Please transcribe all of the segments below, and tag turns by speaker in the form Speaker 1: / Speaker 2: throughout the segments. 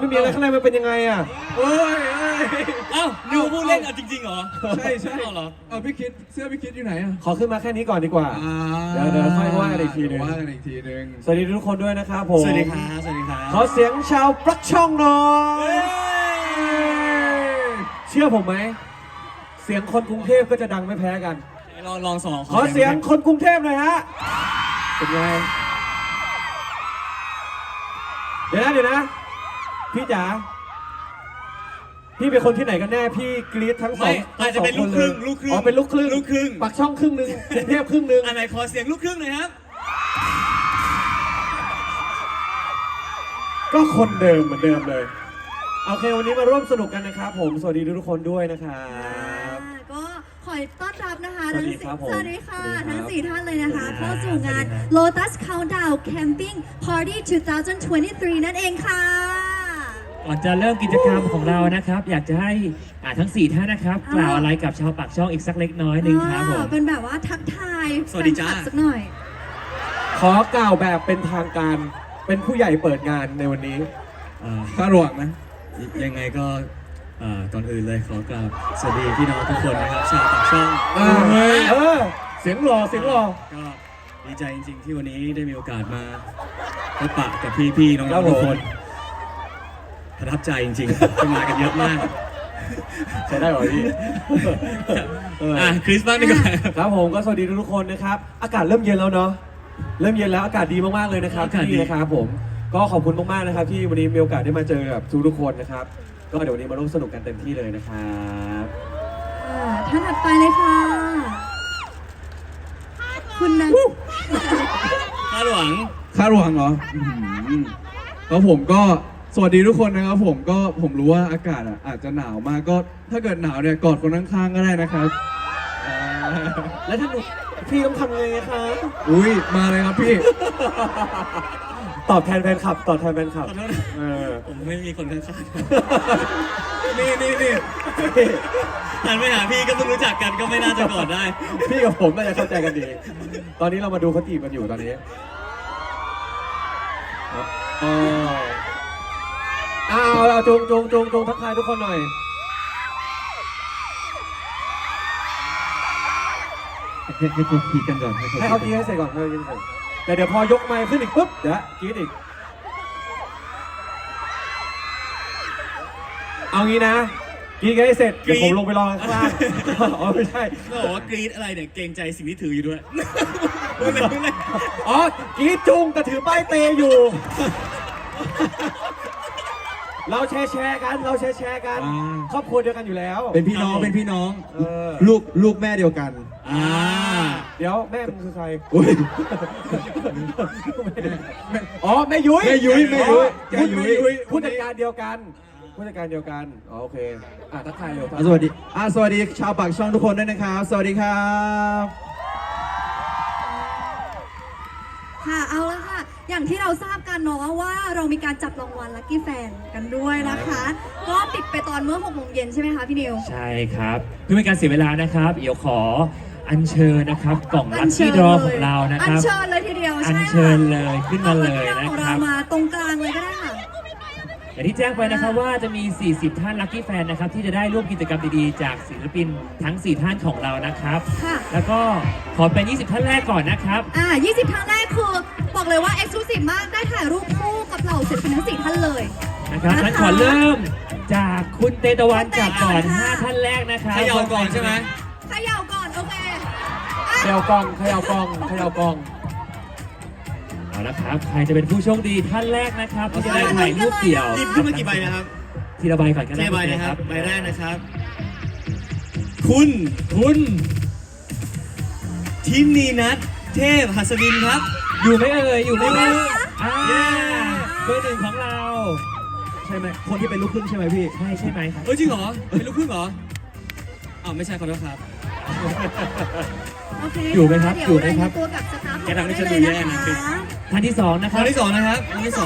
Speaker 1: มันมีอะไรข้างในมันเป็นยังไงอ่ะเอ้ย
Speaker 2: เอ้านิวพูดเล่นจริงๆเหรอ
Speaker 3: ใช่
Speaker 2: เหรอ
Speaker 3: พี่คิดเสื้อพี่คิดอยู่ไหนอ่ะ
Speaker 1: ขอขึ้นมาแค่นี้ก่อนดีกว่าเดี๋ยวค่อยว่ากันอีกทีนึงสวัสดีทุกคนด้วยนะครับผม
Speaker 2: สวัสดีครับสวัสดีครับ
Speaker 1: ขอเสียงชาวปลั๊กช่องหน่อยเชื่อผมไหมเสียงคนกรุงเทพก็จะดังไม่แพ้กัน
Speaker 2: ลองสอง
Speaker 1: ขอเสียงคนกรุงเทพหน่อยฮะเป็นไงเดี๋ยวนะพี่จ๋าพี่เป็นคนที่ไหนกันแน่พี่กรี๊ดทั้งสอง
Speaker 2: อาจจะเป็นลูกครึ่ง
Speaker 1: อ๋อเป็นลูกครึ่งปักช่องครึ่งนึงกรุงเทพครึ่งนึง
Speaker 2: อันไหนขอเสียงลูกครึ่งหน่อยครับ
Speaker 1: ก็คนเดิมเหมือนเดิมเลยโอเควันนี้มาร่วมสนุกกันนะครับผมสวัสดีทุกคนด้วยนะครับ
Speaker 4: ก็ขอต้อนรับนะคะ
Speaker 1: สวัสดีครับผม
Speaker 4: สวัสดีค่ะทั้ง4ท่านเลยนะคะเข้าสู่งาน Lotus Countdown Camping Party 2023 นั่นเองค่ะ
Speaker 5: ก่อนจะเริ่มกิจกรรมของเรานะครับอยากจะให้ทั้ง4ท่านนะครับกล่าวอะไรกับชาวปากช่องอีกสักเล็กน้อยหนึ่งครับผม
Speaker 4: เป็นแบบว่าทักทาย
Speaker 2: สวัสดีจ้า
Speaker 4: สักหน่อย
Speaker 1: ขอกล่าวแบบเป็นทางการเป็นผู้ใหญ่เปิดงานในวันนี้
Speaker 3: คาดหวังนะ
Speaker 2: ยังไงก็ก่อนอื่นเลยขอกราบสวัสดีพี่น้องทุกคนนะครับชาวปากช่อง
Speaker 1: เสียงหล่อ
Speaker 2: ก็ดีใจจริงๆที่วันนี้ได้มีโอกาสมาพบปะกับพี่ๆน้องๆทุกคนประทับใจจริงๆที่มากันเยอะมาก
Speaker 1: ใช้ได้หรอพี่
Speaker 2: คริสบ้างดีกว่า
Speaker 1: ครับผมก็สวัสดีทุกคนนะครับอากาศเริ่มเย็นแล้วเนาะเริ่มเย็นแล้วอากาศดีมากๆเลยนะครับที่นี่นะครับผมก็ขอบคุณมากๆนะครับที่วันนี้มีโอกาสได้มาเจอกับทุกคนนะครับก็เดี๋ยววันนี้มาร่วมสนุกกันเต็มที่เลยนะครับ
Speaker 4: ท่านถัดไปเลยค่ะคุณนะ
Speaker 2: คาดหวัง
Speaker 3: เหรอแล้วผมก็สวัสดีทุกคนนะครับผมรู้ว่าอากาศอาจจะหนาวมากก็ถ้าเกิดหนาวเนี่ยกอดคนข้างๆก็ได้นะครับ
Speaker 1: แล้วถ้าหนูพี่ต้องทำไงคะ
Speaker 3: อุ้ยมาเลยครับพี่
Speaker 1: ตอบแทนแฟนคลับ
Speaker 2: ผมไม่มีคนข้างๆนี่หันไปหาพี่ก็เพิ่งรู้จักกันก็ไม่น่าจะกอดได้
Speaker 1: พี่กับผมน่าจะเข้าใจกันดีตอนนี้เรามาดูเขาจีบกันอยู่ตอนนี้เอาจงทักทายทุกคนหน่อย
Speaker 3: ให้เขาพีกันก่อน
Speaker 1: ให้เขาพีให้เสร็จก่อนแต่เดี๋ยวพอยกไมค์ขึ้นอีกปุ๊บเดี๋ยวกรี๊ดอีกเอางี้นะกรี๊ดกันให้เสร็จเดี๋ยวผมลงไปรอข้างล่างอ๋อไม่ใช่
Speaker 2: ก็บอกว่ากรี๊ดอะไรเนี่ยเกรงใจสิ่งที่ถืออยู่ด้วย
Speaker 1: อ๋อกรี๊ดจุงแต่ถือป้ายเตอยู่เราแชร์กันครอบครัวเดียวกันอยู่แล้ว
Speaker 3: เป็นพี่น้องลูกแม่เดียวกัน
Speaker 1: เดี๋ยวแม่มึงคือใคร
Speaker 3: อ๋อ
Speaker 1: แม่ยุ้ยผู้จัดการเดียวกันโอเคทักทายเร็ว
Speaker 3: สวัสดีชาวปากช่องทุกคนด้วยนะครับสวัสดีครับ
Speaker 4: ค่ะเอาละค่ะอย่างที่เราทราบกันเนาะว่าเรามีการจับรางวัลลัคกี้แฟนกันด้วยนะคะก็ปิดไปตอนเมื่อ 6 โมงเย็นใช่ไหมคะพี่นิว
Speaker 5: ใช่ครับเพื่อเป็นการเสียเวลานะครับเดี๋ยวขออัญเชิญนะครับกล่องลัคกี้ดรอของเรานะครับ
Speaker 4: อัญเชิญเลยทีเดียว
Speaker 5: อัญเชิญเลยขึ้นมาเลยนะครับ
Speaker 4: มาตรงกลางเลยก็ได้ค่ะ
Speaker 5: อย่างที่แจ้งไปนะครับว่าจะมี40ท่านลัคกี้แฟนนะครับที่จะได้ร่วมกิจกรรมดีๆจากศิลปินทั้ง4ท่านของเรานะครับแล้วก็ขอเป็น20ท่านแรกก่อนนะครับ
Speaker 4: 20ท่านแรกคือบอกเลยว่า Exclusive มากได้ถ่ายรูปคู่กับเหล่าศิลปินทั้ง4ท่านเลย
Speaker 5: นะครับงั้นขอเริ่มจากคุณเตตะวันจับก่อน5ท่านแรกนะครับ
Speaker 2: เขย่าก่อนใช่ไหม
Speaker 4: เขย่าก่อนโอเค
Speaker 1: เขย่ากอง
Speaker 5: เอาละครับใครจะเป็นผู้โชคดีท่านแรกนะครับที่จะได้ถ่ายรูปเดี่ยว
Speaker 2: หยิบขึ้นมากี่ใบนะครับ
Speaker 5: ทีละใบก่อนก็ได้
Speaker 2: ใบนะครับใบแรกนะครับคุณทินีนัทเทพหัสดินครับ
Speaker 5: อยู่ไหมอยู่ไหมเบอร์ 1ของเรา
Speaker 3: ใช่ไหมคนที่เป็นลูกครึ่งใช่ไหมพี่
Speaker 5: ใช่ไหมครับ
Speaker 2: จริงเหรอเป็นลูกครึ่งเหรอไม่ใช่ขอโทษครับ
Speaker 5: อยู่ไหมครับ
Speaker 4: ตัวกับสตาฟ
Speaker 2: แกทำให้ฉันดูแย่นะ
Speaker 5: ท่านที่2นะครับ
Speaker 2: ท่านที่2นะครับ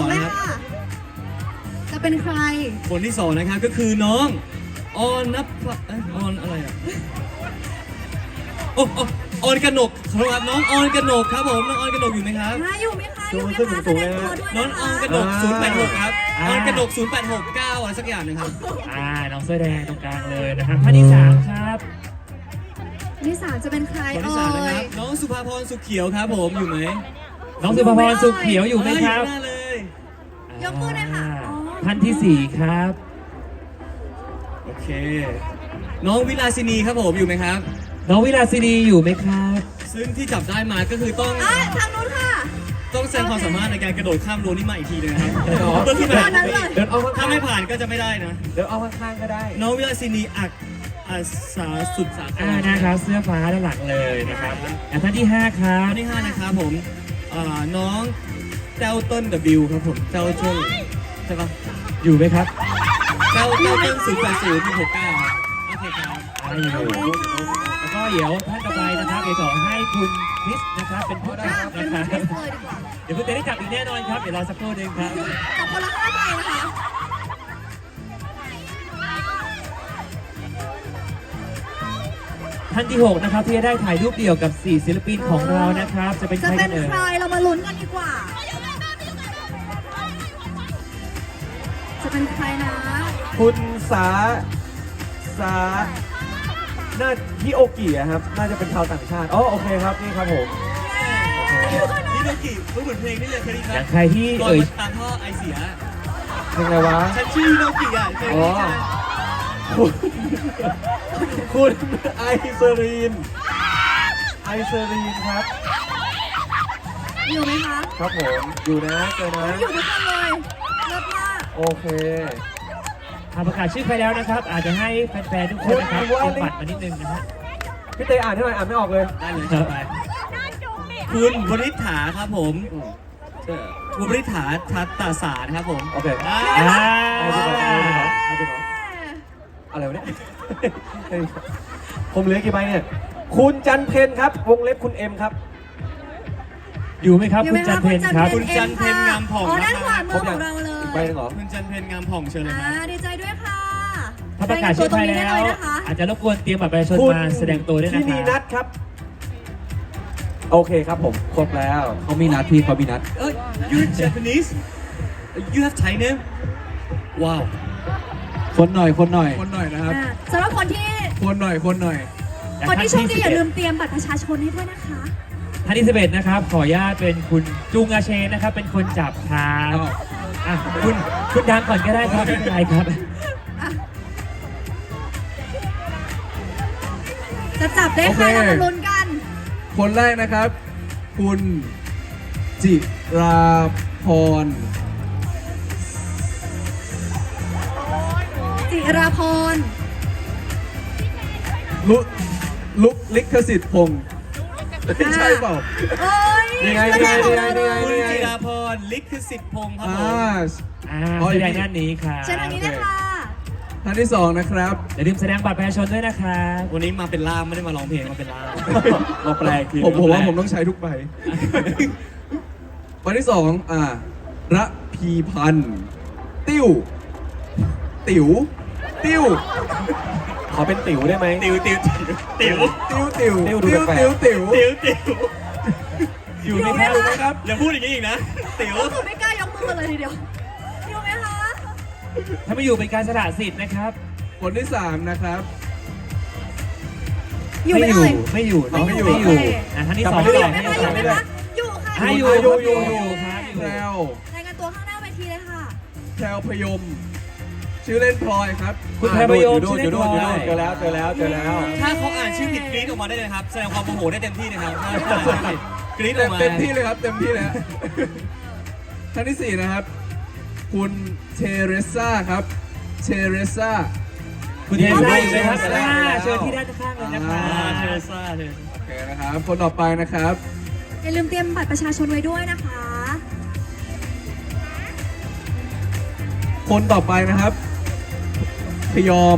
Speaker 4: จะเป็นใคร
Speaker 2: คนที่2นะครับก็คือน้องออนอะไรอ่ะโอ้ออนกนกครับน้องออนกนกครับผมน้องออนกนกอยู่ไหมครับ
Speaker 4: อยู่ไหมคะอยู่ไหม
Speaker 1: ขึ้น
Speaker 4: คะ
Speaker 1: สู
Speaker 4: แส
Speaker 1: งๆ
Speaker 4: ด
Speaker 1: เลย
Speaker 4: ง
Speaker 1: นะ
Speaker 4: ตัวด้วย
Speaker 2: น้อง
Speaker 4: นะ
Speaker 2: ออน
Speaker 4: คะ
Speaker 2: กนก086ครับออนกนก0869อะไรสักอย่างหนึงครับ
Speaker 5: น้องเสื้อแดงตรงกลางเลยนะครับท่านที่ 3 ครับ
Speaker 4: คนที่ 3 จะเป็นใคร
Speaker 2: คนที่
Speaker 4: เอ่
Speaker 2: สามนะค
Speaker 4: ย
Speaker 2: รับน้องสุภาพรสุขเขียวครับผมอยู่ไหม
Speaker 5: น้องสุภพรสุขเขียวอยู่ไหมครับ
Speaker 2: อยู่หน้าเลย
Speaker 4: ยกมือหน่อยค่ะอ๋อ
Speaker 5: ท่านที่ 4 ครับ
Speaker 2: โอเค น้องวิลาสินีครับผมอยู่ไหมครับ
Speaker 5: น้องวิลาสินีอยู่ไหมครับ
Speaker 2: ซึ่งที่จับได้มาก็คือต้อง
Speaker 4: ทางนู้นค่ะ
Speaker 2: ต้องแสดงความสามารถในการกระโดดข้ามรั้วนี่มาอีกทีหนึงนะครับ
Speaker 1: อ๋อ
Speaker 2: เพื่อขึ้นไป
Speaker 4: ตอนนั้นเลย
Speaker 1: เดินเอาข้า
Speaker 2: ถ้างไม่ผ่านก็จะไม่ได้นะ
Speaker 1: เดินเอาข้างๆก็ได้
Speaker 2: น้องวิลาสินีอักษาสุดสาคร
Speaker 5: นะครับเสื้อฟ้าด้านหลังเลยนะครับท่านที่ 5 ครับ
Speaker 2: อันที่5นะครับผมน้องเจ้าต้น W ครับผมเจ้าต้นใช่ปะ
Speaker 5: อยู่ไหมครับ
Speaker 2: เจ้าต้น08069ครับโอเคครับ
Speaker 5: อยู่แล้วก็เดี๋ยวท่านต่อไปนะครับเดี๋ยวขอให้คุณคริสนะครับเป็นผู้จับ
Speaker 4: เป็น
Speaker 5: นะค
Speaker 4: ค
Speaker 5: รั
Speaker 4: ริ
Speaker 5: บ
Speaker 4: สเลยดีกว่า
Speaker 5: เดี๋ยวคุณจะได้จับอีกแน่นอนครับเดี๋ยวรอสักครู่หนึงครับ
Speaker 4: จับคนละ5ใบนะคะ
Speaker 5: ท่านที่ 6 นะครับที่จะได้ถ่ายรูปเดี่ยวกับ 4 ศิลปินของเรานะครับ จะเป็น
Speaker 4: จะ
Speaker 5: ใคร
Speaker 4: เป็
Speaker 5: กัน นเอ่ย
Speaker 4: ใครเรามาลุ้นกันดีกว่า จะเป็นใครนะ
Speaker 1: คุณสาน่าฮิโอกิอะครับ น่าจะเป็นชาวต่างชาติอ๋อโอเคครับนี่ครับผม
Speaker 2: นี่โนกิรู้เหมือนเพลงนี่เลยเคยได้ยิน
Speaker 5: อ
Speaker 2: ไหม
Speaker 5: ย่างใครที่
Speaker 2: ก่อน
Speaker 5: เอ่ย
Speaker 2: มาตามท่อไอเสีย
Speaker 1: เพลงอะไรวะ
Speaker 2: ฉันชื่อโนกิอ่ะเคยได้ยินใช่ไหม
Speaker 1: คุณไอเซรีนครับ
Speaker 4: อยู่ไหมคะ
Speaker 1: ครับผมอยู่นะเจอนะ
Speaker 4: อยู่ทุกคนเลยเลิศมาก
Speaker 1: โอเค
Speaker 5: ประกาศชื่อไปแล้วนะครับ อาจจะให้แฟนๆทุกคนนะครับ
Speaker 1: คุณว่า
Speaker 5: เตรียมบัตรมานิดนึงนะฮะ
Speaker 1: พี่เตอ่านให้หน่อยอ่านไม่ออกเลย
Speaker 2: ได้เลยครับไปคุณวริษฐาครับผมคุณวริษฐาทัตตาสารครับผม
Speaker 1: โอเค
Speaker 2: อ่า
Speaker 1: เอาไปก่อนเอาไปก่อนอะไรวะเนี่ย ผมเหลือกี่ใบเนี่ย คุณจันเพนครับ วงเล็บคุณเอ็มครับ
Speaker 5: อยู่ไหมครับ
Speaker 4: อยู่
Speaker 5: คุ
Speaker 4: ไหม
Speaker 5: ณจัน
Speaker 4: คะ
Speaker 5: เพนครับ
Speaker 2: คุณจันเพ็ญงามผ่อง
Speaker 4: อ๋อ
Speaker 2: นะ
Speaker 4: ด้าน
Speaker 2: ค
Speaker 4: ข
Speaker 2: รับ
Speaker 4: วามือของเราเล
Speaker 1: อี
Speaker 4: ย
Speaker 1: กใบหนึงเหรอ
Speaker 2: คุณจันเพญงามผ่องเชิญเลยครับ
Speaker 4: ดีใจด้วยค่ะ
Speaker 5: ถ้าประกาศชื่อไป
Speaker 4: รายงานตัวตรงนี้
Speaker 5: แล้
Speaker 4: ได้
Speaker 5: ว
Speaker 4: เลยนะคะ
Speaker 5: อาจจะรบกวนเตรียมบัตรประชาชน
Speaker 1: คุณ
Speaker 5: มาแสดงตัวด้วยนะ
Speaker 1: ที่
Speaker 5: ค
Speaker 1: นี
Speaker 5: รั
Speaker 1: นั
Speaker 5: บ
Speaker 1: ทครับ โอเคครับผม ครบแล้ว
Speaker 3: เขามีนัดพี่เขามีนัด
Speaker 2: You're Japanese You have Thai name Wow
Speaker 3: คนหน่อยนะครับ
Speaker 4: สำหรับคนที่
Speaker 3: คนหน่อย
Speaker 4: โชคดีอย่าลืมเตรียมบัตรประชาชนให้ด้วยนะคะ
Speaker 5: ท่านที่11นะครับ ขออนุญาตเป็นคุณจุงอาเชนนะครับ เป็นคนจับครับ
Speaker 3: อ้าว
Speaker 5: อ่ะคุณดังก่อนก็ได้ครับไม่เป็นไรครับ
Speaker 4: จะจับได้ใครเรามาลุ้นกัน
Speaker 3: คนแรกนะครับ คุณจิราพร
Speaker 4: จิราพร
Speaker 3: ลุกลิขสิทธิ์พงศ์ใช่เปล่า
Speaker 4: โอ้ย
Speaker 1: นี่ไง
Speaker 4: ตัวแทนของเรา
Speaker 1: นี่
Speaker 4: เล
Speaker 1: ไง
Speaker 2: คุณ
Speaker 4: ย
Speaker 2: จิราพรลิขสิทธิ์พงศ์ครับ
Speaker 3: อ่า
Speaker 2: ผม
Speaker 5: แสดงด้านนี้ครับ
Speaker 4: เชิญทางนี้เลยค่ะ
Speaker 3: ท่านที่สองนะครับ
Speaker 5: อย่าลืมแสดงบัตรประชาชนด้วยนะครับ
Speaker 2: วันนี้มาเป็นล่ามไม่ได้มาร้องเพลงมาเป็นล่าม
Speaker 1: มาแปลกที
Speaker 3: ผมว่าผมต้องใช้ทุกใบ วันที่สองระพีพันธ์ติ๋ว
Speaker 1: ขอเป็นติ๋วได้ไหม
Speaker 2: ติ๋ว
Speaker 5: อยู่ไหมครับ
Speaker 4: อยู่ไหมคะ
Speaker 2: อย่าพูดอย่างนี้อีกนะติ๋ว
Speaker 4: ก็คือไม่กล้ายกมือกันเลยทีเดียว อยู่ไหมคะ
Speaker 5: ถ้าไม่อยู่เป็นการสละสิทธิ์นะครับ
Speaker 3: คนที่สามนะครับ
Speaker 4: อยู่ไหมเอ่ย
Speaker 5: ไม่อยู่เนอะ
Speaker 3: ไม่อยู่
Speaker 5: ไม่อยู่ท่านที่สอง
Speaker 4: อยู่
Speaker 5: ต่อ
Speaker 4: ไหม
Speaker 5: ให้
Speaker 4: คะ
Speaker 5: ต่
Speaker 4: อยู่
Speaker 5: อ
Speaker 4: ไหมคะอยู่ค่ะ
Speaker 5: ให้อยู่
Speaker 3: อยู่
Speaker 5: ครับอยู่
Speaker 3: แพรว
Speaker 4: รายงานตัวข้างหน้าเวทีเลยค่ะ
Speaker 3: แพรวพยม ชื่อเล่นพลอยครับ
Speaker 5: คุณแพรประโยชน์
Speaker 1: อยู่
Speaker 5: ชื่อ
Speaker 1: นู่น
Speaker 5: เล่น
Speaker 1: อยู่นู่น
Speaker 5: พลอย
Speaker 1: เจอแล้วเจอแล้ว
Speaker 2: ถ้าเขาอ่านชื่อผิดกรี๊ดออกมาได้เลยครับแสดงความโมโหได้เต็มที่นะครับถ้าอ่านชื่อผิดกรี๊ดออกมา
Speaker 3: เต็มที่เลยครับ เต็มที่เลยฮะ ท่านที่สี่นะครับ คุณเทเรซ่าครับเทเรซ่า
Speaker 5: คุณเทซ่าอยู่ไหมครับ
Speaker 3: เทเรซ่า
Speaker 5: เชิญที่ด้านข้างเลยนะครับ
Speaker 2: เทเรซ่า
Speaker 3: โอเคนะครับ คนต่อไปนะครับ
Speaker 4: อย่าลืมเตรียมบัตรประชาชนไว้ด้วยนะคะ
Speaker 3: คนต่อไปนะครับ พยอม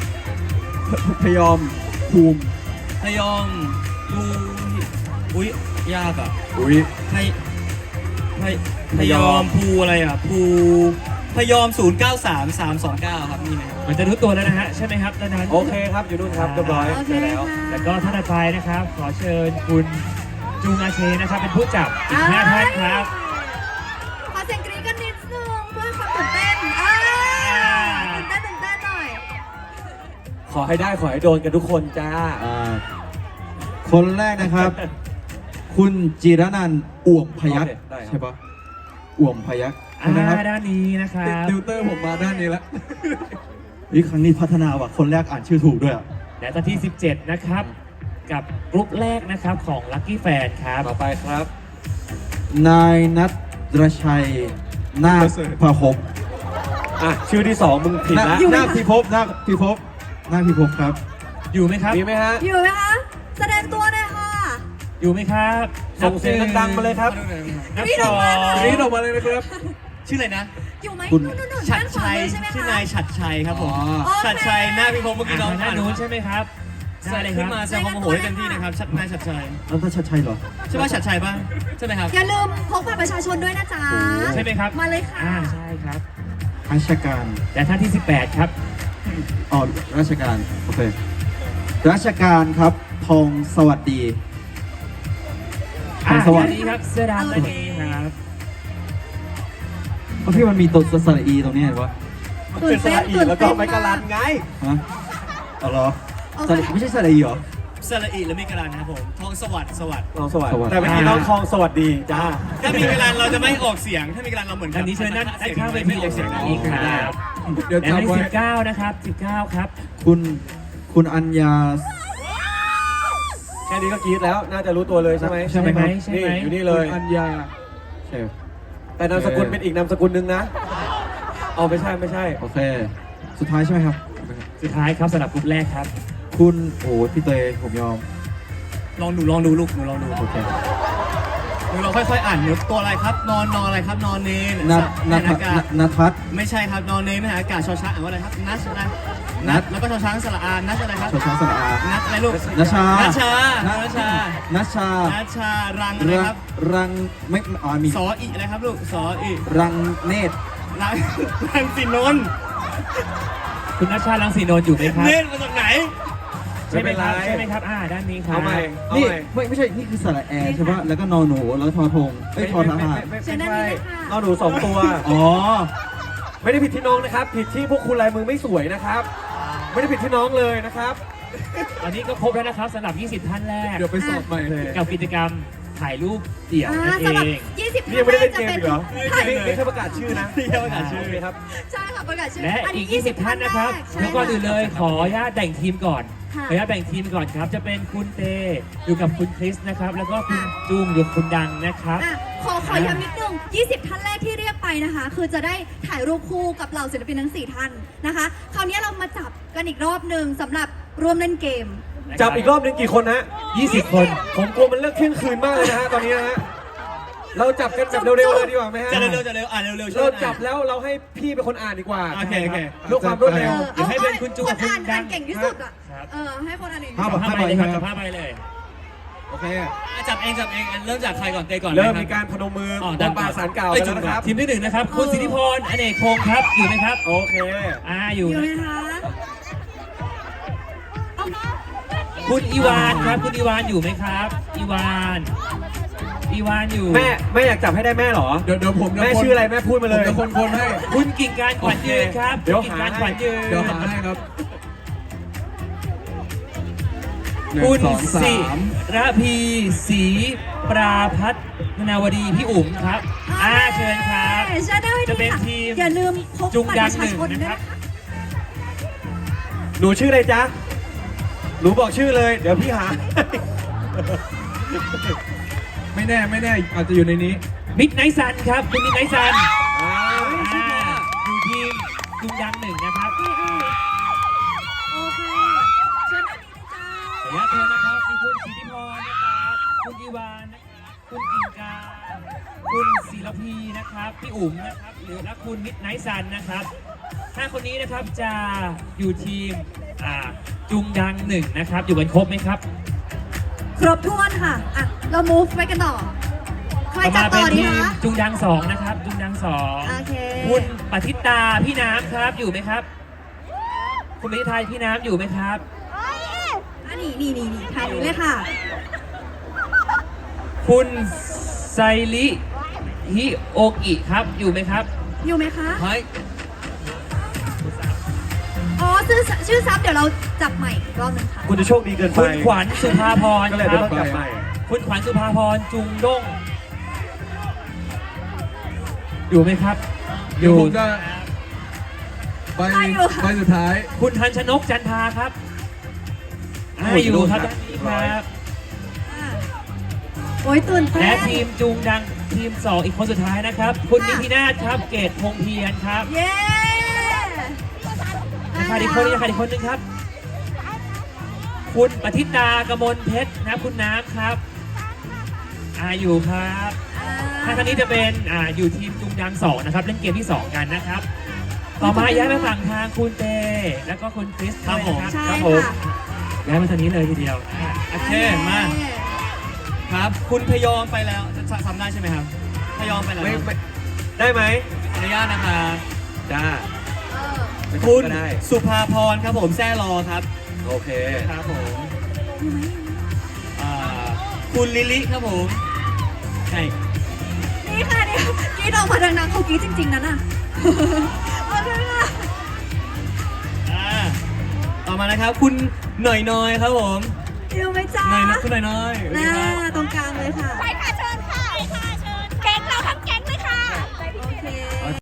Speaker 3: ภูมิ
Speaker 2: พยองดูอุ้ยยากอ่ะ
Speaker 3: อุ้ย
Speaker 2: พยอมภูอะไรอ่ะภูพยอม 093329 ครับนี่นะครับ
Speaker 5: มันจะรู้ตัวแล้วนะฮะใช่ไหมครับด้านนั้น
Speaker 1: โอเคครับอยู่นู่นครับเรียบร้อย
Speaker 4: โอเค
Speaker 1: เจอแล้ว
Speaker 4: ค่ะ
Speaker 5: แล้วก็ท่านต่อไปนะครับ ขอเชิญคุณจุงอาเชนะครับ เป็นผู้จับอีก5ท่านครับ
Speaker 4: ขอเสียงกรี๊ดกันนิดนึงเพื่อความตื่นเต้นตื่นเต้นหน่อย
Speaker 1: ขอให้ได้ขอให้โดนกันทุกคนจ้า
Speaker 3: คนแรกนะครับ คุณจิรนันท์อ่วมพยัคฆ์
Speaker 1: โอเคได้ครับ
Speaker 3: ใช่ปะอ่วมพยัคฆ์ใช่ไหมครับ
Speaker 5: ด้านนี้นะครับ
Speaker 3: ติวเตอร์ผมมาด้านนี้แล้วนี่ครั้งนี้พัฒนาว่ะคนแรกอ่านชื่อถูกด้วยอ่ะ
Speaker 5: และตอนที่ 17 นะครับ กับกรุ๊ปแรกนะครับของ Lucky Fan ครับ
Speaker 1: ต่อไปครับ
Speaker 3: นายนัทรชัยนาคพหพ
Speaker 1: อ่ะชื่อที่ 2 มึงผิดละ
Speaker 3: นาคพิภพนาคพิภพนาคพิภพครับ
Speaker 5: อยู่ไหมครับ
Speaker 1: มีไหมฮะ
Speaker 4: อยู่ไหมคะ แสดงตัวหน่อยค่ะ
Speaker 5: อยู่ไหมครับ
Speaker 1: ส่งเสียงดังๆมาเลยครับ
Speaker 5: นับ
Speaker 4: กรี๊ด
Speaker 5: ส
Speaker 4: อ
Speaker 5: อ
Speaker 4: อกมาเลย
Speaker 5: ง
Speaker 1: รีดออกมาเลยนะครับ
Speaker 2: ชื่ออะไรนะ
Speaker 4: อยู่ไหม
Speaker 3: คุณ
Speaker 4: นู่นๆๆ
Speaker 2: ฉัด
Speaker 4: ด้านขวา
Speaker 2: ชัย
Speaker 4: มือใช่ไหม
Speaker 2: ชื่อ
Speaker 4: คะ
Speaker 2: นายฉัดชัยครับผม
Speaker 3: อ๋อ
Speaker 4: โอเค
Speaker 2: ฉัดชัยหน้าพี่พงศ์เมื่อกี้น้อง
Speaker 5: ทางด้านนู้นใช่ไหมครับได้เลยค
Speaker 2: ขึ้
Speaker 5: รั
Speaker 2: น
Speaker 5: บ
Speaker 2: มาแสดงความโมโหได้เต็มที่นะครับนายฉัดชัย
Speaker 3: นัทชัยเหรอ
Speaker 2: ใช่ป่ะฉัดชัยป่ะใช่ไหมครับ
Speaker 4: อย่าลืมพกบัตรประชาชนด้วยนะจ๊ะ
Speaker 5: ใช่ไหมครับ
Speaker 4: มาเลยค่ะ
Speaker 5: ใช่ครับ
Speaker 3: ราชการ
Speaker 5: และท่านที่ 18 ครับ
Speaker 3: อ๋อราชการโอเคราชการครับทองสวัสดี ทองสวัส
Speaker 5: ด้าน
Speaker 3: ดี
Speaker 5: นี้ครับเสื้อดำตัวนี้ครับ
Speaker 3: เพราะพี่มันมีตัวสระอีตรงนี้เห็นปะ
Speaker 1: เป็นสระอีแล้วก็ไม่กะลันไง
Speaker 3: ฮะอ๋อเหรอ
Speaker 4: โอเค
Speaker 3: สระไม่ใช่สระอีเหรอ
Speaker 2: สระอีและมีกระดานนะครับผมทองสวัสดิ์สวัสดิ์
Speaker 1: น้องสวัส
Speaker 3: สวัส
Speaker 1: ดี
Speaker 3: ดี
Speaker 1: แต่เมื่อกี้น้องทองสวัสดีจ้า
Speaker 2: ถ้ามีกระดานเราจะไม่ออกเสียง ถ้ามีกระดานเราเหมือน
Speaker 5: ด้านนี้เชิญด้านข้างเวที
Speaker 2: ไม่ออกเสียง
Speaker 5: อีกครับ
Speaker 3: เดี๋ยว
Speaker 5: และท่าน
Speaker 3: จำไว้
Speaker 5: ที่19 นะครับ 19 ครับ
Speaker 3: คุณอัญญา
Speaker 1: แค่นี้ก็กรี๊ดแล้วน่าจะรู้ตัวเลยใช่ไหม
Speaker 3: ใช่ไหมครับ
Speaker 5: ใช่ไหม
Speaker 1: นี่อยู่นี่เลย
Speaker 3: คุณอัญญาใช่
Speaker 1: แต่นามสกุลเป็นอีกนามสกุลหนึ่งนะเอาไม่ใช่ไม่ใช่
Speaker 3: โอเค สุดท้ายใช่ไหมครับ
Speaker 5: สุดท้ายครับสำหรับกลุ่มแรกครับ
Speaker 3: คุณโอ้พี่เตยผมยอม
Speaker 2: ลองดูลูกหนูลองดู
Speaker 3: โอเค
Speaker 2: หนูลองค่อยๆอ่านหนูตัวอะไรครับ นอนอะไรครับ นอนเนน
Speaker 3: นัท
Speaker 2: แม่
Speaker 3: นัท
Speaker 2: นอากาศ
Speaker 3: นัทพัฒน์
Speaker 2: ไม่ใช่ครับ นอนเนนไม่หาอากาศชอช้างอ่านว่าอะไรครับ นัชอะไร
Speaker 3: นัท
Speaker 2: แล้วก็ชอช้างสระอา นัชอะไรครับ
Speaker 3: ชอช้างสระอา
Speaker 2: นัทอะไรลูก
Speaker 3: นัชชา
Speaker 2: นัชชา
Speaker 3: นั
Speaker 2: นัชชา
Speaker 3: นัชชา
Speaker 2: นัชชา รังอะไร
Speaker 3: รั
Speaker 2: ครับ
Speaker 3: รังไม่อ๋อมี
Speaker 2: สออีอะไรครับลูก สออี
Speaker 3: รังเนตร
Speaker 2: รังรังสินนท์
Speaker 5: คุณนัชชาลังสีนนท์อยู่ไหมครับ
Speaker 2: เนตรมาจากไหน
Speaker 5: ใช่ไหมครับ
Speaker 1: ไม่เป็นไร
Speaker 5: ใช่ไหมครับ ด้านนี้ครับ
Speaker 1: เอาใหม่เอา
Speaker 3: นี่
Speaker 1: ใหม่
Speaker 3: ไม่ใช่ นี่คือสระแอร์ใช่ปะแล้วก็นอนหนูแล้วทอทงเอ้ยทอทหาร
Speaker 1: ไม่
Speaker 4: เชิญด้าน
Speaker 1: ใช่
Speaker 4: นี้เลยค่ะ
Speaker 1: เอาหนู2 ตัว
Speaker 3: อ๋อ
Speaker 1: ไม่ได้ผิดที่น้องนะครับ ผิดที่พวกคุณลายมือไม่สวยนะครับ ไม่ได้ผิดที่น้องเลยนะครับ
Speaker 5: ตอนนี้ก็ครบแล้วนะครับสำหรับ 20 ท่านแรก
Speaker 3: เดี๋ยวไปสอบใหม่เลย
Speaker 5: กับกิจกรรมถ่ายรูปเดี่ยวนั่นเอ
Speaker 4: สำหรับ
Speaker 5: ง
Speaker 4: 20
Speaker 1: นี่ยังไม่ได้เล่นเกมอีกเหรอ
Speaker 4: ถ่าย
Speaker 1: นี่นี่แค่ประกาศชื่อนะ
Speaker 2: นี่แค่ประกาศชื่อ
Speaker 1: โเคครับ
Speaker 4: ใช่ค่ะประกาศชื่อ
Speaker 5: และ
Speaker 4: อัน
Speaker 5: อี
Speaker 4: นี้
Speaker 5: ก 20 ท่านนะครับ
Speaker 4: ใช่
Speaker 5: แล้วก่อนอื่นเลยขออนุญาตแบ่งทีมก่อน
Speaker 4: ค่ะ
Speaker 5: ขออนุญาตแบ่งทีมก่อนครับ จะเป็นคุณเตอยู่กับคุณคริสนะครับ แล้วก็คุณจูงอยู่กับคุณดังนะครับ
Speaker 4: อ่ะขอย้ำนิดนึง 20 ท่านแรกที่เรียกไปนะคะ คือจะได้ถ่ายรูปคู่กับเหล่าศิลปินทั้ง 4 ท่านนะคะ คราวนี้เรามาจับกันอีกรอบหนึ่งสำหรับร่วมเล่นเกม
Speaker 1: จับอีกรอบหนึงกี่คนฮะ
Speaker 5: 20 คน
Speaker 1: ผมกลัวมันเลิกเที่ยงคืนมากเลยนะฮะตอนนี้นะฮะ เราจับกันแบบเร็วๆเลยดีกว่าไหมฮะ
Speaker 2: จะเร็วๆจะเร็วอ่านเร็วๆช่วย
Speaker 1: เรา
Speaker 2: กันอ่าน
Speaker 1: จับแล้วเราให้พี่เป็นคนอ่านดีกว่า
Speaker 2: โอเคโอเค
Speaker 1: เพื่อความรวดเร็ว
Speaker 5: เดี๋ยวให้เป็นคุณจูกับคุณ
Speaker 4: อ่าน
Speaker 5: ดัง
Speaker 4: เก่งที่สุดอ่ะ
Speaker 5: ครับ
Speaker 4: ให้คนอ่านเอง
Speaker 3: ภาพ
Speaker 5: จับผ้าใบเลยครับจับผ้าใบเลย
Speaker 3: โอเค
Speaker 2: จับเองอันเริ่มจากใครก่อนเตก่อน
Speaker 1: เริ่ม
Speaker 2: ไห
Speaker 1: มี
Speaker 2: คบ
Speaker 1: การพนมมือ
Speaker 2: อ๋อ
Speaker 1: บอก
Speaker 2: ดัง
Speaker 1: ปาสารกล่าว
Speaker 2: เอ้ย
Speaker 1: กันแล้วนะครับ
Speaker 5: ทีมที่ 1 นะครับ คุณสิทธิพรอเนกพงศ์ครับ อยู่ไหมครับ
Speaker 1: โอเค
Speaker 5: อยู่
Speaker 4: อยู่
Speaker 5: นะ
Speaker 4: ไหมคะเอา
Speaker 5: คุณอีวานครับ คุณอีวานอยู่ไหมครับ อีวานอยู่
Speaker 1: แม่อยากจับให้ได้แม่เหรอ
Speaker 3: เดี๋ยวผมจะ
Speaker 1: แม่ชื่ออะไรแม่พูดมาเลย
Speaker 3: ผมจะคนให้
Speaker 5: คุณกิ่งการขวัญยืนครับ
Speaker 1: เดี๋ยว
Speaker 5: คุณ
Speaker 1: หา
Speaker 5: กิ่งการขวัญยืน
Speaker 3: เดี๋ยวหาให้ครับหนึ่ง
Speaker 5: คุณ
Speaker 3: สองสา
Speaker 5: สิ
Speaker 3: ม
Speaker 5: ระพีศรีปราพัฒนาวดีพี่อุ๋มครับเชิญครับ
Speaker 4: เชิญได้ไว้
Speaker 5: จะเป็น
Speaker 4: ค่ะ
Speaker 5: ทีม
Speaker 4: อย่าลืมพก
Speaker 5: จุง
Speaker 4: บัตร
Speaker 5: ดั
Speaker 4: ป
Speaker 5: ง
Speaker 4: ระ
Speaker 5: ห
Speaker 4: ชา
Speaker 5: นึ่ง
Speaker 4: ชน
Speaker 5: นะ
Speaker 4: ด้วย
Speaker 5: ครับ
Speaker 4: นะคะ
Speaker 1: หนูชื่ออะไรจ๊ะ หนูบอกชื่อเลย เดี๋ยวพี่หา
Speaker 3: ไม่แน่อาจจะอยู่ในนี้
Speaker 5: มิดไนท์ซันครับ คุณมิดไนท์ซัน
Speaker 1: อ่า
Speaker 5: อยู่ทีมจุงดังหนึ่งนะครับ
Speaker 4: โอเคเชิญด้านนี้เลยจ้า
Speaker 5: ขออนุญาตเชิญนะครับมีคุณสิทธิพรนะครับคุณอีวานนะครับคุณกิ่งการคุณศิรพีนะครับพี่อุ๋มนะครับหรือและคุณมิดไนท์ซันนะครับ5 คนนี้นะครับจะอยู่ทีมจุงดังหนึ่งนะครับ อยู่กันครบไหมครับ
Speaker 4: ครบถ้วนค่ะ อ่ะ เรา move ไปกันต่อ ใคร
Speaker 5: ต่อ
Speaker 4: จั
Speaker 5: มา
Speaker 4: บ
Speaker 5: เป็
Speaker 4: ต่
Speaker 5: น
Speaker 4: อดี
Speaker 5: ทีม
Speaker 4: คะ
Speaker 5: จุงดัง2นะครับจุงดัง2
Speaker 4: โอเค
Speaker 5: คุณปฏิตาพี่น้ำครับอยู่ไหมครับ คุณปฏิตาพี่น้ำอยู่ไหมครับ
Speaker 4: อันนี้นี่ทายเลยค่ะ
Speaker 5: คุณไซริฮิโอกิครับอยู่ไหมครับ
Speaker 4: อยู่ไหมคะ
Speaker 2: เฮ้ย
Speaker 4: อ๋อชื่อซับเดี๋ยวเราจับใหม่อีกรอบหนึงค่ะ
Speaker 1: คุณจะโชคดีเกินไป
Speaker 5: คุณขวัญสุภาพร
Speaker 1: ก็เลย
Speaker 5: ค
Speaker 1: จะ
Speaker 5: รับ
Speaker 1: ต้องกลับไป
Speaker 5: คุณขวัญสุภาพรจุงด้งอยู่ไหมครับ
Speaker 3: เดี๋ยวผมจะใบ
Speaker 4: ใครอยู่คะ
Speaker 3: ใบสุดท้าย
Speaker 5: คุณทันชนกจันทาครับอยู่ครับด้านนี้ครับ
Speaker 4: โอ้ยตื่นเต้น
Speaker 5: และทีมจุงดังทีม 2 อีกคนสุดท้ายนะครับ คุณนิตินาถครับ เกตพงเพียรครับ
Speaker 4: เย้
Speaker 5: ขาดอีกคนนึงขาดอีกคนนึงครับ คุณปฏิตากมลเพชรนะครับคุณน้ำครับอยู่ครับท่านนี้จะเป็นอยู่ทีมจุงดัง 2 นะครับ เล่นเกมที่ 2 กันนะครับ ต่อมาย้ายไปฝั่งทางคุณเตแล้วก็คุณคริส
Speaker 2: ครับผม
Speaker 5: ด้วยนะ
Speaker 4: ใช่
Speaker 5: ครับผม
Speaker 4: ค่ะ
Speaker 5: ย้ายมาทางนี้เลยทีเดียว
Speaker 2: โอเค มา ครับ คุณพยอมไปแล้วทำได้ใช่ไหมครับ พยอมไปแล้ว
Speaker 1: ไม่ได้ไหม
Speaker 2: ขออนุญาตนะครับ
Speaker 1: จ้า ไม่
Speaker 2: คุณ
Speaker 1: ก็ได้
Speaker 2: สุภาพรครับผมแซ่รอครับ
Speaker 1: โอเค
Speaker 2: ครับผมอ่าคุณลิลิครับผมใช่
Speaker 4: นี่ค่ะนี่กรีดออกมาดังๆเขากรีดจริงๆนะน่ะโอเคค่ะ
Speaker 2: ต่อมานะครับ คุณหน่อยน้อยครับผม
Speaker 4: อยู่ไหมจ๊ะ
Speaker 2: หน่อยนะคุณหน่อยน้อยสวัสดี
Speaker 4: น่า
Speaker 2: ครับ
Speaker 4: ตรงกลางเลยค่ะ
Speaker 6: ไปค่ะเชิญค่ะไปค่ะเชิญแก๊งเราทั้งแก๊งเลยค่ะ
Speaker 4: โอเค